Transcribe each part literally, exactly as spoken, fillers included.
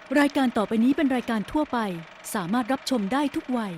รายการต่อไปนี้เป็นรายการทั่วไปสามารถรับชมได้ทุกวัย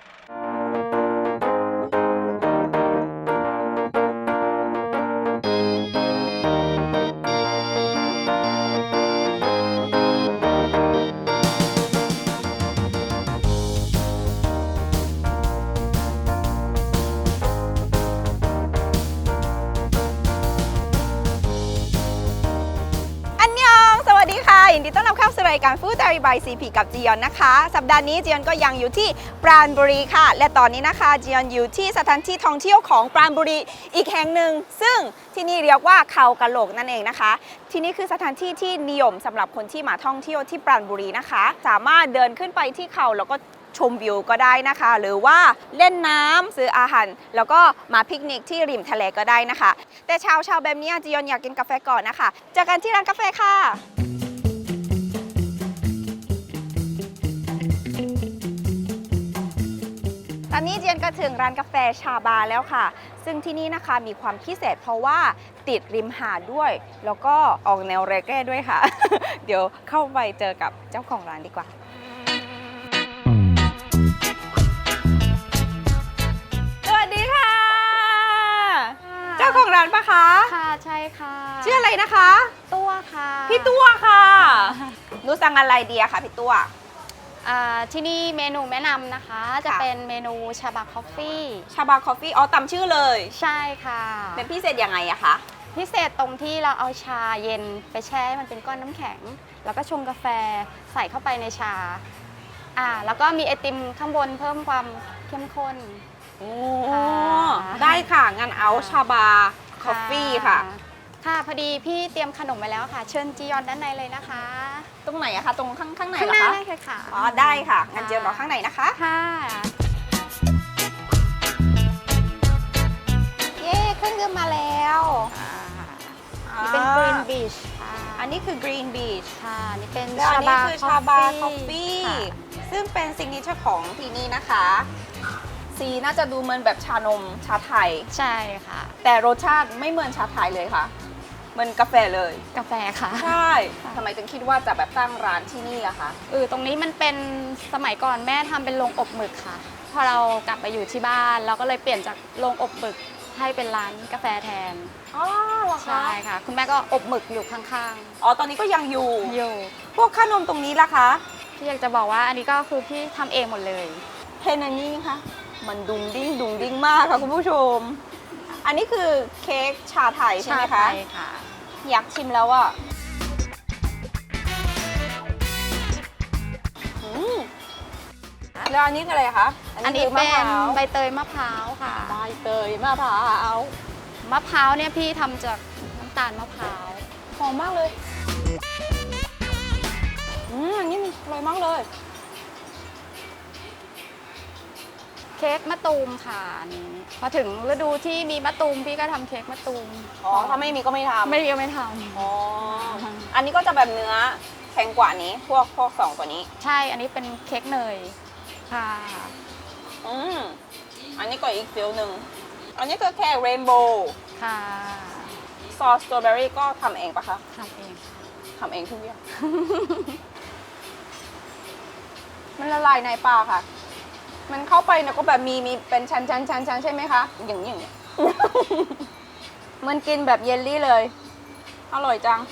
ยินดีต้อนรับเข้าสู่รายการ Food Diary by ซี พี กับจียอนนะคะสัปดาห์นี้จียอนก็ยังอยู่ที่ปราณบุรีค่ะและตอนนี้นะคะจียอนอยู่ที่สถานที่ท่องเที่ยวของปราณบุรีอีกแห่งหนึ่งซึ่งที่นี่เรียกว่าเขากะโหลกนั่นเองนะคะที่นี่คือสถานที่ที่นิยมสำหรับคนที่มาท่องเที่ยวที่ปราณบุรีนะคะสามารถเดินขึ้นไปที่เขาแล้วก็ชมวิวก็ได้นะคะหรือว่าเล่นน้ำซื้ออาหารแล้วก็มาปิกนิกที่ริมทะเลก็ได้นะคะแต่เช้าเช้าแบบนี้จียอนอยากกินกาแฟก่อนนะคะเจอกันที่ร้านกาแฟค่ะตอนนี้เจียนก็ถึงร้านกาแฟชาบาแล้วค่ะซึ่งที่นี่นะคะมีความพิเศษเพราะว่าติดริมหาดด้วยแล้วก็ออกแนวเรเก้ด้วยค่ะ เดี๋ยวเข้าไปเจอกับเจ้าของร้านดีกว่าสวัสดีค่ะเจ้าของร้านปะคะค่ะใช่ค่ะชื่ออะไรนะคะตัวค่ะพี่ตัวค่ะหนูสั่งอะไรดีอะคะพี่ตัวที่นี่เมนูแนะนำนะคะจะเป็นเมนูชาบาคอฟฟี่ชาบาคอฟฟี่อ๋อตามชื่อเลยใช่ค่ะเป็นพิเศษยังไงอะคะพิเศษตรงที่เราเอาชาเย็นไปแช่มันเป็นก้อนน้ำแข็งแล้วก็ชงกาแฟใส่เข้าไปในชาอ่าแล้วก็มีไอติมข้างบนเพิ่มความเข้มข้นโอ้ได้ค่ะงั้นเอาชาบาคอฟฟี่ค่ะค่ะพอดีพี่เตรียมขนมไว้แล้วค่ะเชิญจียอนด้านในเลยนะคะตรงไหนอะคะตรงข้างข้างในเหรอคะข้างหน้าได้ค่ะอ๋อได้ค่ะงั้นเจียนรอข้างในนะคะค่ะเย้เครื่องดื่มมาแล้วนี่เป็น Green Beach ค่ะอันนี้คือ Green Beach ค่ะนี่เป็นชาบาคือชาบาคอฟฟี่ซึ่งเป็นซิกเนเจอร์ของที่นี่นะคะสีน่าจะดูเหมือนแบบชานมชาไทยใช่ค่ะแต่รสชาติไม่เหมือนชาไทยเลยค่ะเหมือนกาแฟเลยกาแฟค่ะใช่ทำไมถึงคิดว่าจะแบบตั้งร้านที่นี่อะคะเออตรงนี้มันเป็นสมัยก่อนแม่ทำเป็นโรงอบหมึกค่ะพอเรากลับไปอยู่ที่บ้านเราก็เลยเปลี่ยนจากโรงอบหมึกให้เป็นร้านกาแฟแทนอ๋อเหรอคะใช่ค่ะคุณแม่ก็อบหมึกอยู่ข้างๆอ๋อตอนนี้ก็ยังอยู่อยู่พวกขนมตรงนี้ล่ะคะพี่อยากจะบอกว่าอันนี้ก็คือพี่ทำเองหมดเลยเห็นอันนี้ค่ะมันดุงดิ้งดุงดิ้งมากค่ะคุณผู้ชมอันนี้คือเค้กชาไทยใช่ไหมคะใช่ค่ะอยากชิมแล้วอ่ะแล้วอันนี้อะไรคะอันนี้เป็นใบเตยมะพร้าวค่ะใบเตยมะพร้าวมะพร้าวเนี่ยพี่ทำจากน้ำตาลมะพร้าวหอมมากเลยอืมอันนี้อร่อยมากเลยเค้กมะตูมค่ะนี่พอถึงฤดูที่มีมะตูมพี่ก็ทำเค้กมะตูมอ๋อถ้าไม่มีก็ไม่ทำไม่มีก็ไม่ทำอ๋ออันนี้ก็จะแบบเนื้อแข็งกว่านี้พวกพวกสองตัวนี้ใช่อันนี้เป็นเค้กเนยค่ะอืมอันนี้ก็อีกฟิลหนึ่งอันนี้คือแค่เรนโบว์ค่ะซอสสตรอเบอรี่ก็ทำเองปะคะทำเองทำเองทุกอย่างมันละลายในปากค่ะมันเข้าไปเนี่ยก็แบบมีมีเป็นชั้นชั้นชั้นชั้นใช่ไหมคะอย่างนี้อย่างนี้มันกินแบบเยลลี่เลยอร่อยจัง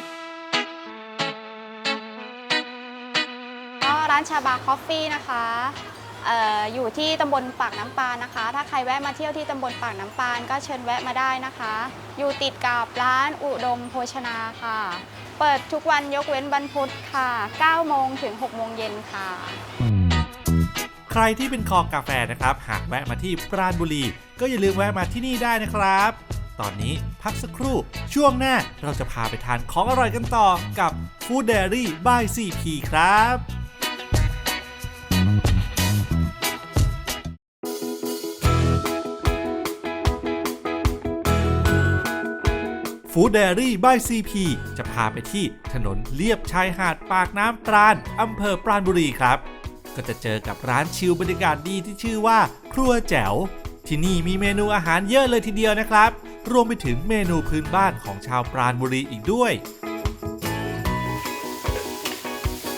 ก็ร้านชาบาคอฟฟี่นะคะเอ่ออยู่ที่ตำบลปากน้ำปานนะคะถ้าใครแวะมาเที่ยวที่ตำบลปากน้ำปานก็เชิญแวะมาได้นะคะอยู่ติดกับร้านอุดมโภชนาค่ะเปิดทุกวันยกเว้นวันพุธค่ะเก้าโมงถึงหกโมงเย็นค่ะใครที่เป็นคอกาแฟนะครับหากแวะมาที่ปราณบุรีก็อย่าลืมแวะมาที่นี่ได้นะครับตอนนี้พักสักครู่ช่วงหน้าเราจะพาไปทานของอร่อยกันต่อกับ Food Diary by ซี พี ครับ Food Diary by ซี พี จะพาไปที่ถนนเลียบชายหาดปากน้ำปราณอำเภอปราณบุรีครับก็จะเจอกับร้านชิลบรรยากาศดีที่ชื่อว่าครัวแจ๋วที่นี่มีเมนูอาหารเยอะเลยทีเดียวนะครับรวมไปถึงเมนูพื้นบ้านของชาวปราณบุรีอีกด้วย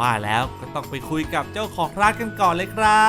ว่าแล้วก็ต้องไปคุยกับเจ้าของร้านกันก่อนเลยครับ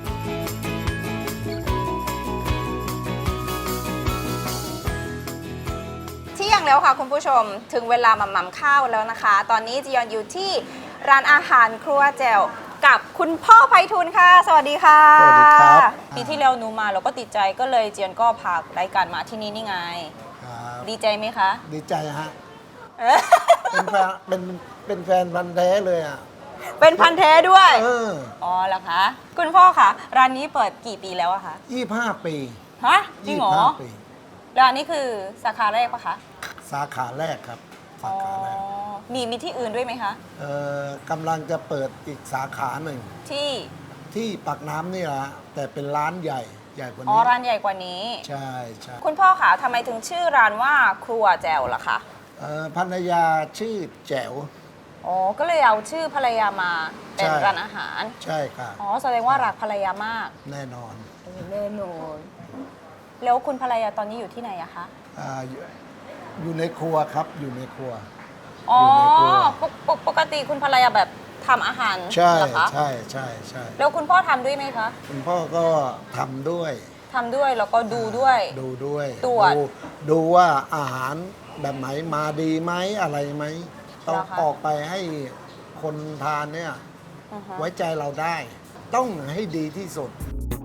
เที่ยงแล้วค่ะคุณผู้ชมถึงเวลาหม่ำๆข้าวแล้วนะคะ ตอนนี้จียอนอยู่ที่ร้านอาหารครัวแจวกับคุณพ่อไพฑูรย์ค่ะ สวัสดีค่ะสวัสดีครับปีที่แล้วหนูมาเราก็ติดใจก็เลยจียอนก็พารายการมาที่นี่นี่ไงครับดีใจไหมคะดีใจฮะ เป็นแฟนเป็นเป็นแฟนพันธุ์แท้เลยอ่ะเป็นพันธุ์แท้ด้วยเอออ๋อเหรอคะคุณพ่อคะร้านนี้เปิดกี่ปีแล้วอะคะยี่ห้าปีฮะจริงเหรอยี่สิบห้าปีร้านนี้คือสาขาแรกปะคะสาขาแรกครับ สาขาแรกอ๋อมีมีที่อื่นด้วยไหมคะเอ่อกำลังจะเปิดอีกสาขาหนึ่งที่ที่ปากน้ำนี่แหละแต่เป็นร้านใหญ่ใหญ่กว่าอ๋อนี้ร้านใหญ่กว่านี้ใช่ใช่คุณพ่อคะทำไมถึงชื่อร้านว่าครัวแจวล่ะคะเอ่อภรรยาชื่อแจ๋วอ๋อ ก็เลยเอาชื่อภรรยามาเป็นใช่ร้านอาหารใช่ค่ะอ๋อ แสดงว่ารักภรรยามากแน่นอนแน่นอนแล้วคุณภรรยาตอนนี้อยู่ที่ไหนอะคะอ่าอยู่อยู่ในครัวครับอยู่ในครัวอ๋ออยู่ในครัวปกปกปกติคุณภรรยาแบบทำอาหารใช่เหรอคะใช่ใช่ใช่แล้วคุณพ่อทำด้วยไหมคะคุณพ่อก็ทำด้วยทำด้วยแล้วก็ดูด้วยดูด้วยตรวจดูดูว่าอาหารแบบไหนมาดีไหมอะไรไหมต้องเหรอคะออกไปให้คนทานเนี่ยอือฮะไว้ใจเราได้ ต้องให้ดีที่สุด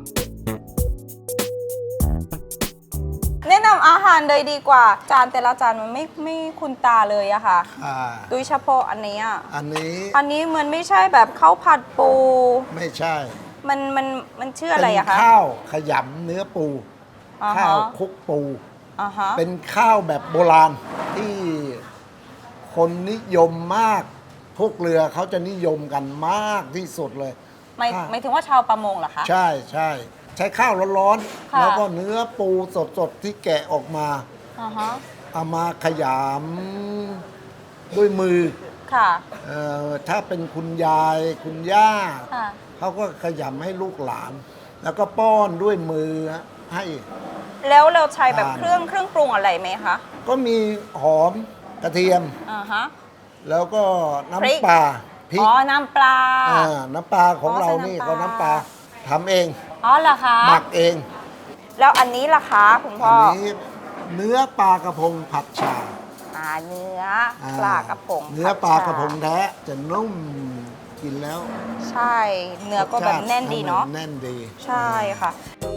แนะนำอาหารเลยดีกว่า จานแต่ละจานมันไม่ไม่คุ้นตาเลยอะค่ะอ่าโดยเฉพาะอันนี้อะอันนี้อันนี้มันไม่ใช่แบบข้าวผัดปูไม่ใช่มันมันมันชื่ออะไรอะคะเป็นข้าวขยำเนื้อปูอ่าฮะข้าวคลุกปูอ่าฮะเป็นข้าวแบบโบราณที่คนนิยมมาก พวกเรือเขาจะนิยมกันมากที่สุดเลยหมายค่ะหมายถึงว่าชาวประมงเหรอคะใช่ใช่ใช้ข้าวร้อนค่ะๆ แล้วก็เนื้อปูสดๆ ที่แกะออกมาอ่าฮะเอามาขยำด้วยมือค่ะเอ่อถ้าเป็นคุณยายคุณย่าค่ะเขาก็ขยำให้ลูกหลาน แล้วก็ป้อนด้วยมือให้แล้วเราใช้แบบทานเครื่องเครื่องปรุงอะไรไหมคะก็มีหอมกระเทียมอ่าฮะแล้วก็พริกน้ำปลาพริกอ๋อ น้ำปลาอ่าน้ำปลาของอ๋อเราใส่นี่น้ำปลาก็น้ำปลาทำเองอ๋อเหรอคะหมักเองแล้วอันนี้ล่ะคะคุณพ่อัอนนี้เนื้อปลากระพงผัดชาอ่าเนื้ออ่ปลากระพงเนื้อปลากระพงแท้จะนุ่มกินแล้วใช่ เนื้อก็แบบแน่นดีเนาะแน่นดีใช่ค่ะ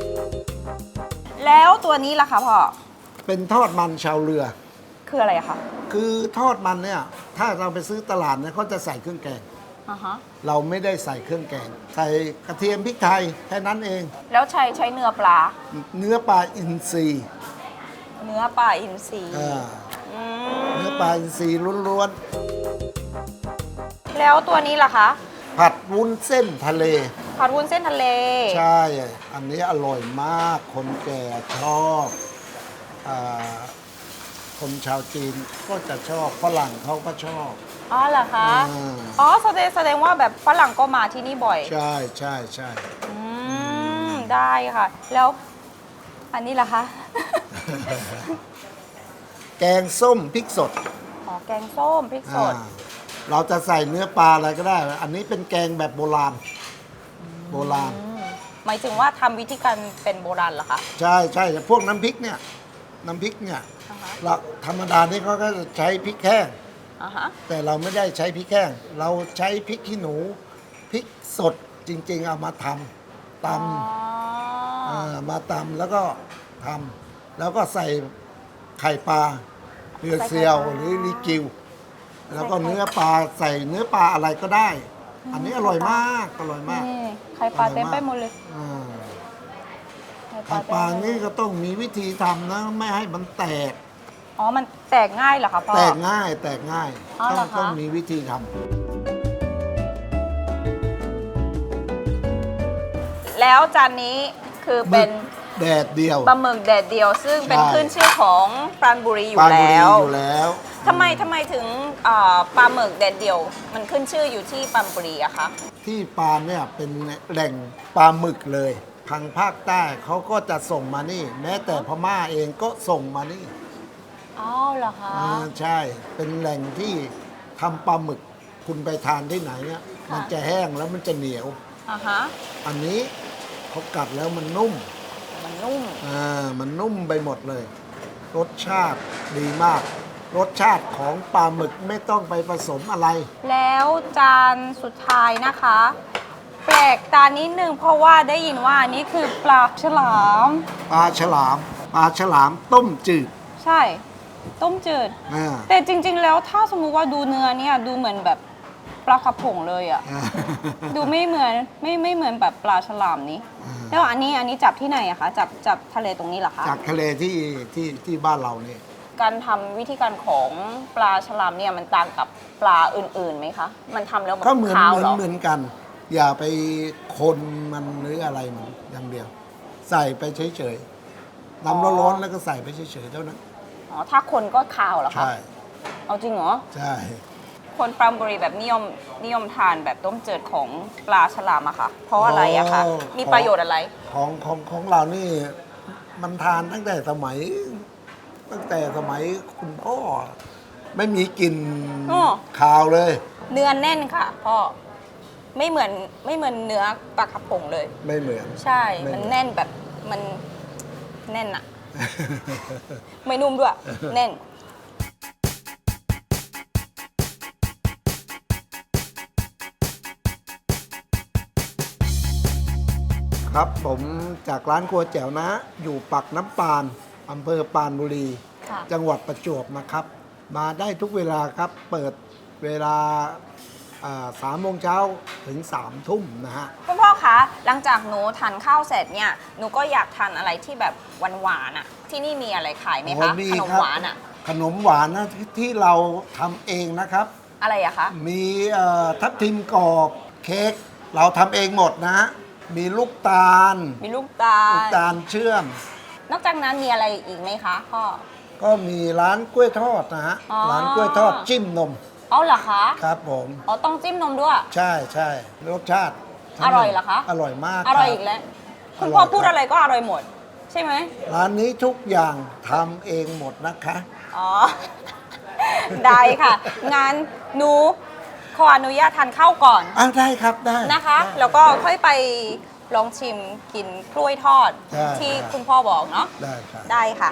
แล้วตัวนี้ล่ะคะพ่อเป็นทอดมันชาวเรือคืออะไรคะคือทอดมันเนี่ย ถ้าเราไปซื้อตลาดเนี่ยเขาจะใส่เครื่องแกงอ่าฮะเราไม่ได้ใส่เครื่องแกง ใส่กระเทียมพริกไทยแค่นั้นเองแล้วใช้ใช้เนื้อปลาเนื้อปลาอินทรีเนื้อปลาอินทรีอ่าอืมเนื้อปลาอินทรีล้วนแล้วตัวนี้ล่ะคะๆ ผัดวุ้นเส้นทะเลผัดวุ้นเส้นทะเลใช่ อันนี้อร่อยมาก คนแก่ชอบอาคนชาวจีนก็จะชอบ ฝรั่งเขาก็ชอบอ๋อเหรอคะอ่าอ๋อแสดงแสดงว่าแบบฝรั่งก็มาที่นี่บ่อยใช่ใช่ใช่อืม ได้ค่ะ แล้วอันนี้ล่ะคะแกงส้มพริกสดอ๋อ แกงส้มพริกสดอ่าเราจะใส่เนื้อปลาอะไรก็ได้ อันนี้เป็นแกงแบบโบราณ โบราณอืมหมายถึงว่าทำวิธีการเป็นโบราณเหรอคะใช่ใช่แต่พวกน้ำพริกเนี่ย น้ำพริกเนี่ยอ่าฮะเราธรรมดานี่เขาก็จะใช้พริกแห้งอ่าฮะแต่เราไม่ได้ใช้พริกแห้ง เราใช้พริกขี้หนู พริกสดจริง ๆ เอามาทำตอ๋อำอ่ามาตำแล้วก็ทำแล้วก็ใส่ไข่ปลาเรือเซียวหรือลิกิว แล้วก็เนื้อปลาใส่เนื้อปลาอะไรก็ได้ อันนี้อร่อยมาก อร่อยมากนี่ไข่ปลาเต็มไปหมดเลยอ่าไข่ไข่ปลาเต็มไปหมดนี่ก็ต้องมีวิธีทำนะ ไม่ให้มันแตกอ๋อ มันแตกง่ายเหรอคะพ่อแตกง่าย แตกง่ายอ๋อต้เหรออง คะต้องมีวิธีทแล้วจานนี้คือำเป็นแดดเดียวปลาหมึกแดดเดียว ซึ่งเป็นใช่ขึ้นชื่อของปราณบุรีอยู่ปรานบุแล้รีวอยู่แล้วทำไมทำไมถึงเอ่อปลาหมึกแดดเดียว มันขึ้นชื่ออยู่ที่ปรานบุรีอะคะที่ปานเนี่ยเป็นแหล่งปลาหมึกเลยทางภาคใต้เขาก็จะส่งมานี่ แม้แต่พม่าเองก็ส่งมานี่อ๋อเหรอคะอ่าใช่ เป็นแหล่งที่ทำปลาหมึก คุณไปทานที่ไหนเนี่ยค่ะมันจะแห้งแล้วมันจะเหนียวอ่าฮะอันนี้เขากัดแล้วมันนุ่มมันนุ่มอ่ามันนุ่มไปหมดเลย รสชาติดีมาก รสชาติของปลาหมึกไม่ต้องไปผสมอะไรแล้วจานสุดท้ายนะคะ แปลกตานิดนึงเพราะว่าได้ยินว่าอันนี้คือปลาฉลามปลาฉลาม ปลาฉลามต้มจืดใช่ ต้มจืดอ่าแต่จริง ๆ แล้วถ้าสมมุติว่าดูเนื้อเนี่ยดูเหมือนแบบปลากระพงเลยอะอ่าดูไม่เหมือนไม่ไม่เหมือนแบบปลาฉลามนี้ แล้วอันนี้อันนี้จับที่ไหนอะคะจับจับทะเลตรงนี้เหรอคะจากทะเลที่ที่ที่บ้านเราเนี่ยการทำวิธีการของปลาฉลามเนี่ยมันต่างกับปลาอื่นๆไหมคะ มันทำแล้วก็เหมือนคาวเหมือเหนรอเหมือนกัน อย่าไปคนมันหรืออะไรมันอย่างเดียว ใส่ไปเฉยๆน้ำร้อนๆแล้วก็ใส่ไปเฉยๆเท่านั้นอ๋อถ้าคนก็คาวเหรอคะใช่เอาจริงเหรอใช่คนปรามบุรีแบบนิยมนิยมทานแบบต้มจืดของปลาฉลามอะค่ะ เพราะอะไรอะคะ มีประโยชน์อะไรของของของเรานี่มันทานตั้งแต่สมัย ตั้งแต่สมัยคุณพ่อ ไม่มีกลิ่นอ้อคาวเลยเนื้อแน่นค่ะพ่อ ไม่เหมือนไม่เหมือนเนื้อปลากระพงเลยไม่เหมือนใช่ไม่มันแน่นแบบมันแน่นอะ ไม่นุ่มด้วย แน่นครับผมจากร้านครัวแจ๋วนะ อยู่ปักน้ำปานอำเภอปรานบุรีค่ะจังหวัดประจวบนะครับ มาได้ทุกเวลาครับ เปิดเวลาสามโมงเช้าถึงสามทุ่มนะฮะคุณพ่อคะหลังจากหนูทานข้าวเสร็จเนี่ยหนูก็อยากทานอะไรที่แบบหวานๆอะที่นี่มีอะไรขายไหมโอ้คะมีขนมครับหวานอะขนมหวานนะที่ที่เราทำเองนะครับอะไรอะคะมีเอ่อทับทิมกรอบเค้กเราทำเองหมดนะฮะมีลูกตาลมีลูกตาลูกลตาลเชื่อมนอกจากนั้นมีอะไรอีกไหมคะพ่อก็มีร้านกล้วยทอดนะฮะอ๋อร้านกล้วยทอดจิ้มนมเอาเหรอคะครับผมอ๋อต้องจิ้มนมด้วยใช่ใช่รสชาติทั้งอร่อยเหรอคะอร่อยมากอร่อยคบอีกแล้ว คุณอร่อยพ่อพูดครับอะไรก็อร่อยหมด ใช่ไหมร้านนี้ทุกอย่างทำเองหมดนะคะอ๋อ ได้ค่ะ งานหนูขออนุญาตทานข้าวก่อนอ้าวได้ครับได้นะคะได้แล้วก็ค่อยไปลองชิมกินกล้วยทอดใช่ที่ใช่คุณพ่อบอกเนาะได้ครับได้ค่ะ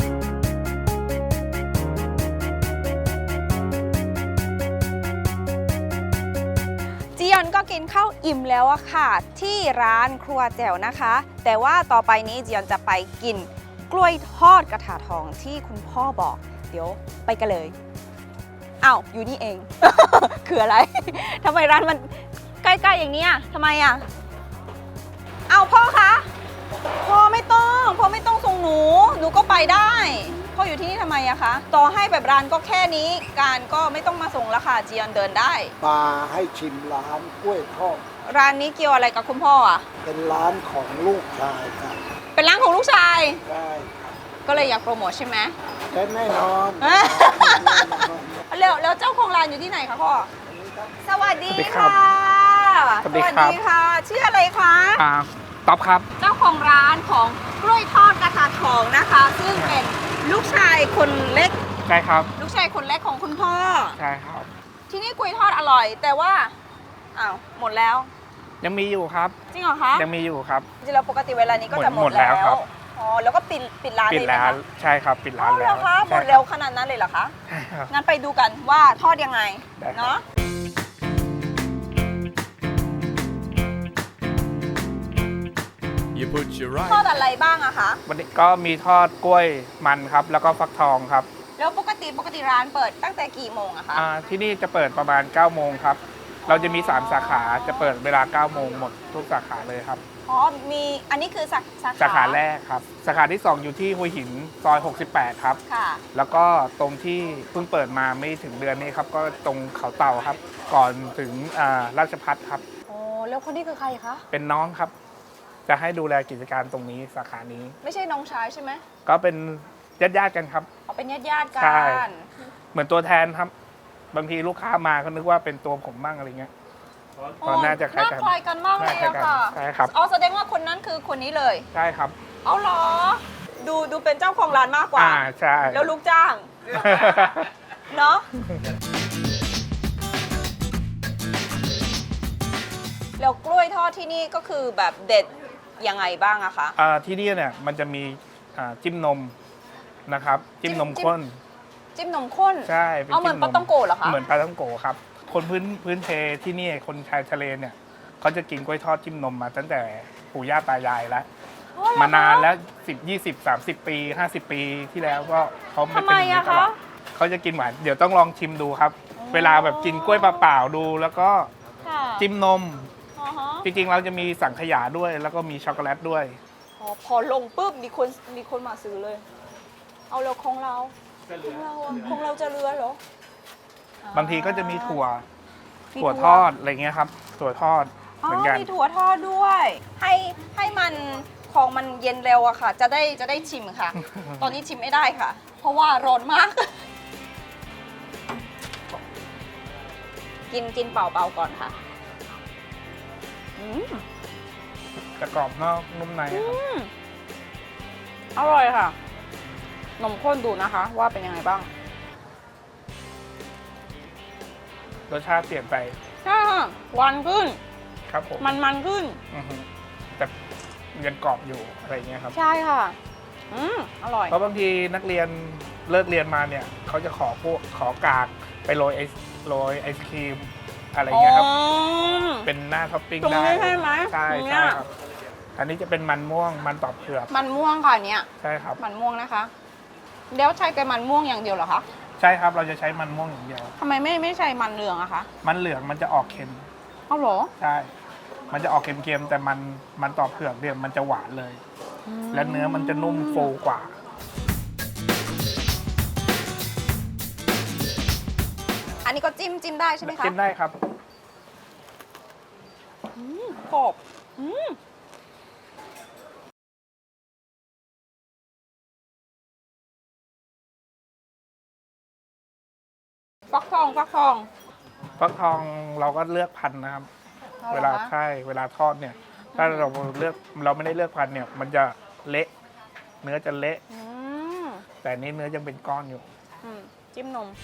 จียอนก็กินข้าวอิ่มแล้วอะค่ะ ที่ร้านครัวแจ๋วนะคะ แต่ว่าต่อไปนี้จียอนจะไปกินกล้วยทอดกระถาทองที่คุณพ่อบอก เดี๋ยวไปกันเลยอ้าวอยู่นี่เอง คืออะไร ทำไมร้านมันใกล้ๆอย่างนี้อะทำไมอะเอาพ่อคะพ่อไม่ต้องพ่อไม่ต้องส่งหนูหนูก็ไปได้พ่ออยู่ที่นี่ทำไมอะคะต่อให้แบบร้านก็แค่นี้การก็ไม่ต้องมาส่งแล้วค่ะจียอนเดินได้มาให้ชิมร้านกล้วยทอดร้านนี้เกี่ยวอะไรกับคุณพ่ออะเป็นร้านของลูกชายครับเป็นร้านของลูกชายได้ครับก็เลยอยากโปรโมทใช่ไหมและแน่นอนแล้วแล้วเจ้าของร้านอยู่ที่ไหนคะพ่อ สวัสดีสวัสดีครัค่ะบสวัสดีครับค่ะ ชื่ออะไรคะอ่าต๊อบครับเจ้าของร้านของกล้วยทอดกระถาทองนะคะ ซึ่งเป็นลูกชายคนเล็กใช่ครับลูกชายคนเล็กของคุณพ่อใช่ครับที่นี่กล้วยทอดอร่อย แต่ว่า อ้าว หมดแล้วยังมีอยู่ครับจริงเหรอคะยังมีอยู่ครับจริงๆแล้วปกติเวลานี้ก็จะหหมมดดแล้แล้ววครับอ๋อ แล้วก็ปิดปิดร้านปิเลดยไหมร้านคะใช่ครับ ปิดร้านอ๋อเหแล้รวอคะหมใช่ดคเร็รัวบขนาดนั้นเลยเหรอคะใช่ครับงั้นไปดูกันว่าทอดยังไงได้ครับเนาะ You put your right ทอดอะไรบ้างอะคะวันนี้ก็มีทอดกล้วยมันครับ แล้วก็ฟักทองครับแล้วปกติปกติร้านเปิดตั้งแต่กี่โมงอะคะอ่าที่นี่จะเปิดประมาณเก้าโมงครับ เราจะมีสามสาขา จะเปิดเวลาเก้าโมงหมดทุกสาขาเลยครับอ๋อ มีอันนี้คือสาสาขาสาขาแรกครับ สาขาที่สองอยู่ที่หัวหินซอยหกสิบแปดครับค่ะแล้วก็ตรงที่เพิ่งเปิดมาไม่ถึงเดือนนี้ครับ ก็ตรงเขาเต่าครับ ก่อนถึงอ่าราชพัฒครับโอ้แล้วคนนี้คือใครคะเป็นน้องครับ จะให้ดูแลกิจการตรงนี้สาขานี้ไม่ใช่น้องชายใช่ไหมก็เป็นญาติญาติๆกันครับเขาเป็นญาติญาติๆกัใช่นเหมือนตัวแทนครับ บางทีลูกค้ามาก็นึกว่าเป็นตัวผมบ้างอะไรเงี้ยอ๋อน่าจะคล้ายกันน่าคล้ายกันมากเลยน่าอะคล้ายกันค่ะใช่ครับอ๋อแสดงว่าคนนั้นคือคนนี้เลยใช่ครับเอาเหรอ ดูดูเป็นเจ้าของร้านมากกว่าอ่าใช่แล้วลูกจ้าง เนาะแล้วกล้วยทอดที่นี่ก็คือแบบเด็ดยังไงบ้างอะคะอ่าที่นี่เนี่ยมันจะมีอ่าจิ้มนมนะครับจิ้มนมจิ้มข้นจิ้มนมข้นใช่ป็เอาเหมือนจิ้ปาต้องโกะเหรอคะเหมือนปลาต้องโกะครับ คนพื้นพื้นเพที่นี่คนชายทะเลเนี่ยเขาจะกินกล้วยทอดจิ้มนมมาตั้งแต่ปู่ย่าตายายแล้วอ๋อเหรอคะมานานแล้วสิบยี่สิบสามสิบปีห้าสิบปีที่แล้วก็เขาไม่ทำเป็นไมอย่างนี้อะตลอคะดเขาจะกินหวานเดี๋ยวต้องลองชิมดูครับ เวลาแบบกินกล้วยเปล่าๆดู แล้วก็ค่ะจิ้มนมอ๋อฮะจริงๆเราจะมีสังขยาด้วย แล้วก็มีช็อกโกแลตด้วยอ๋อพอลงปุ๊บมีคนมีคนมาซื้อเลย เอาแล้วของเราของเราอะของเราจะเรือเหรอบางทีก็จะมีถั่วมีถั่วทอดอะไรเงี้ยครับถั่วทอดอ๋อเหมือนกันมีถั่วทอดด้วย ให้ให้มันของมันเย็นเร็วอะค่ะ จะได้จะได้ชิม ค่ะ ตอนนี้ชิมไม่ได้ค่ะ เพราะว่าร้อนมาก กินกินเปล่าๆก่อนค่ะอืมจะกรอบนอกนุ่มในครับอืมอร่อยค่ะ นมข้นดูนะคะ ว่าเป็นยังไงบ้างรสชาติเปลี่ยนไปใช่ค่ะหวานขึ้นครับผมมันมันขึ้นอือฮึแต่ยังกรอบอยู่อะไรเงี้ยครับใช่ค่ะ อืมอร่อยเพราะบางทีนักเรียนเลิกเรียนมาเนี่ยเขาจะขอพวกขอกากไปโรยไอศโรยไอศครีมอะไรเงี้ยครับอ๋อเป็นหน้าท็อปปิ้งตรงได้นี้ใช่ไหมใช่ตรงเนี้ใช่ยครับ อันนี้จะเป็นมันม่วงมันตอบเผือกมันม่วงค่ะเนี่ยใช่ครับมันม่วงนะคะ แล้วใช้แต่มันม่วงอย่างเดียวเหรอคะใช่ครับเราจะใช้มันม่วงอย่างเดียวทำไมไม่ไม่ใช่มันเหลืองอะคะมันเหลืองมันจะออกเค็มเอาเหรอใช่ มันจะออกเค็มๆแต่มันมันตอบเผือกเนี่ยมันจะหวานเลย และเนื้อมันจะนุ่มฟูกว่าอันนี้ก็จิ้มจิ้มได้ใช่ไหมคะจิ้มได้ครับกรอบอืมฟักทองฟักทองฟักทองเราก็เลือกพันธุ์นะครับอหรอคะเวลาใช่เวลาทอดเนี่ย ถ้าเราเลือกเราไม่ได้เลือกพันธุ์เนี่ย มันจะเละ เนื้อจะเละอืมแต่อันนี้เนื้อยังเป็นก้อนอยู่อืมจิ้มนม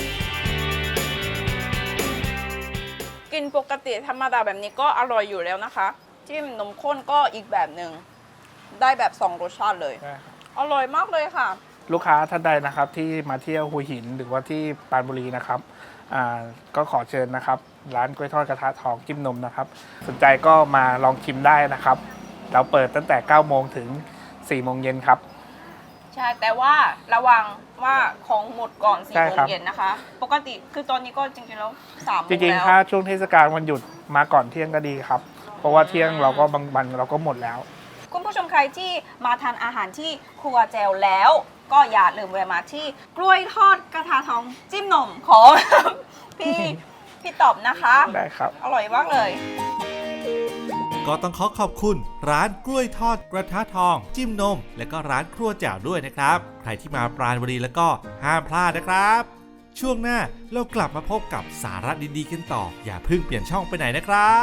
กินปกติธรรมดาแบบนี้ก็อร่อยอยู่แล้วนะคะ จิ้มนมข้นก็อีกแบบหนึ่ง ได้แบบสองรสชาติเลยใช่ครับอร่อยมากเลยค่ะลูกค้าท่านใดนะครับที่มาเที่ยวหัวหินหรือว่าที่ปรานบุรีนะครับอ่าก็ขอเชิญนะครับ ร้านกล้วยทอดกระทะทองจิ้มนมนะครับ สนใจก็มาลองชิมได้นะครับ เราเปิดตั้งแต่เก้าโมงถึงสี่โมงเย็นครับใช่ แต่ว่าระวังว่าของหมดก่อนสี่ใช่โมงครับเย็นนะคะ ปกติคือตอนนี้ก็จริงๆแล้วสามโมจงริงแล้วๆ ถ้าช่วงเทศกาลวันหยุดมาก่อนเที่ยงก็ดีครับ เพราะว่าเที่ยงเราก็บางวันเราก็หมดแล้วคุณผู้ชมใครที่มาทานอาหารที่ครัวแจวแล้ว ก็อย่าลืมแวะมาที่กล้วยทอดกระทะทองจิ้มนมของ พี่พี่ตอบนะคะได้ครับอร่อยมากเลยก็ต้องขอขอบคุณ ร้านกล้วยทอดกระทะทอง จิ้มนม และก็ร้านครัวแจ่วด้วยนะครับ ใครที่มาปราณบุรีแล้วก็ห้ามพลาดนะครับ ช่วงหน้าเรากลับมาพบกับสาระดีๆกันต่อ อย่าเพิ่งเปลี่ยนช่องไปไหนนะครับ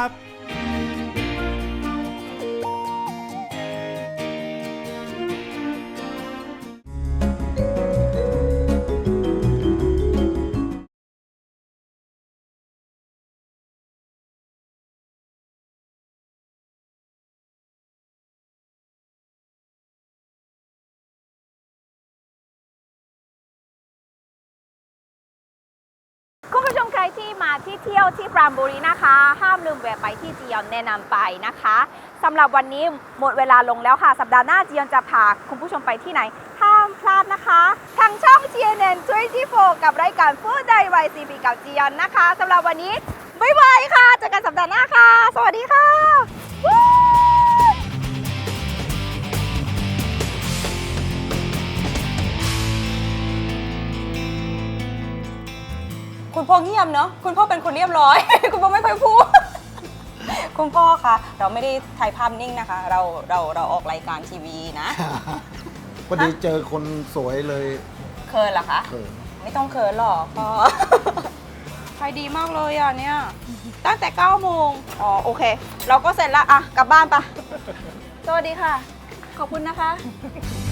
คุณผู้ชมใครที่มาที่เที่ยวที่ปรามบุรีนะคะ ห้ามลืมแวะไปที่จียอนแนะนำไปนะคะสำหรับวันนี้หมดเวลาลงแล้วค่ะ สัปดาห์หน้าจียอนจะพาคุณผู้ชมไปที่ไหน ห้ามพลาดนะคะทางช่อง ที เอ็น เอ็น ยี่สิบสี่ กับรายการ Food Diary by ซี พี กับจียอนนะคะสำหรับวันนี้บ๊ายบายค่ะเจอกันสัปดาห์หน้าค่ะ สวัสดีค่ะวู้คุณพ่อเงียบเนาะคุณพ่อเป็นคนเรียบร้อย คุณพ่อไม่ค่อยพูด คุณพ่อคะเราไม่ได้ถ่ายภาพนิ่งนะคะ เราเราเราออกรายการทีวีนะพอดีเจอคนสวยเลยเคินเหรอคะเขินไม่ต้องเคินหรอกพ่อ ใครดีมากเลยอ่ะเนี่ย ตั้งแต่เก้าโมงอ๋อโอเค เราก็เสร็จละอ่ะ กลับบ้านปะ สวัสดีค่ะ ขอบคุณนะคะ